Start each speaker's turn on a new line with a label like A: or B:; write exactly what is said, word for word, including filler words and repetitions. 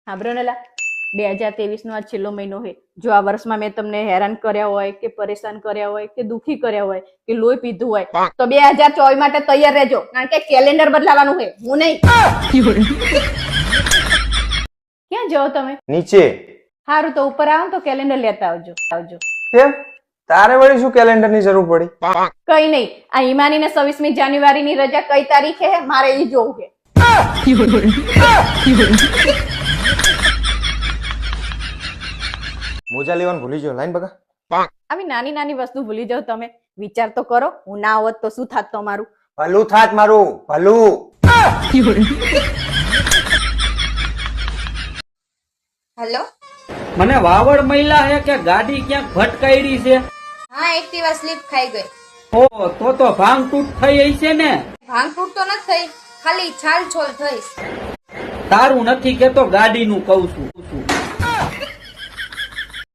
A: સાંભળો ને લા, બે હજાર ત્રેવીસ નો આ છેલ્લો મહિનો છે. જો આ વર્ષમાં મેં તમને હેરાન કર્યા હોય કે પરેશાન કર્યા હોય કે દુખી કર્યા હોય કે લોહી પીધું હોય તો બે હજાર ચોવીસ માટે તૈયાર રહેજો, કારણ કે કેલેન્ડર બદલાવાનું છે, હું નહીં. ક્યાં જાઓ તમે?
B: નીચે.
A: સારું, તો ઉપર આવો તો કેલેન્ડર લેતા આવજો આવજો
B: કેમ? તારે વળી શું કેલેન્ડર ની જરૂર પડી?
A: કઈ નહીં, આ હિમાની ને છવ્વીસમી જાન્યુઆરી ની રજા કઈ તારીખે છે મારે એ જોવું છે.
B: મોજા લેવાનું ભૂલી ગયો. લાઈન બગા.
A: આવી નાની નાની વસ્તુ ભૂલી જાવ તમે. વિચાર તો કરો, હું ના હોત તો શું થાત તમારું?
B: ભલું થાત મારું, ભલું.
C: હેલો,
D: મને વાવડ મહિલા હે કે ગાડી ક્યાંક ભટકાયડી છે?
C: હા એક્ટિવા સ્લીપ ખાઈ ગઈ.
D: ઓ તો તો ભાંગ તૂટ થઈ હશે ને?
C: ભાંગ તૂટ તો નથી થઈ, ખાલી છાલ છોલ થઈશ.
D: તારું નથી કેતો, ગાડીનું કઉ છું.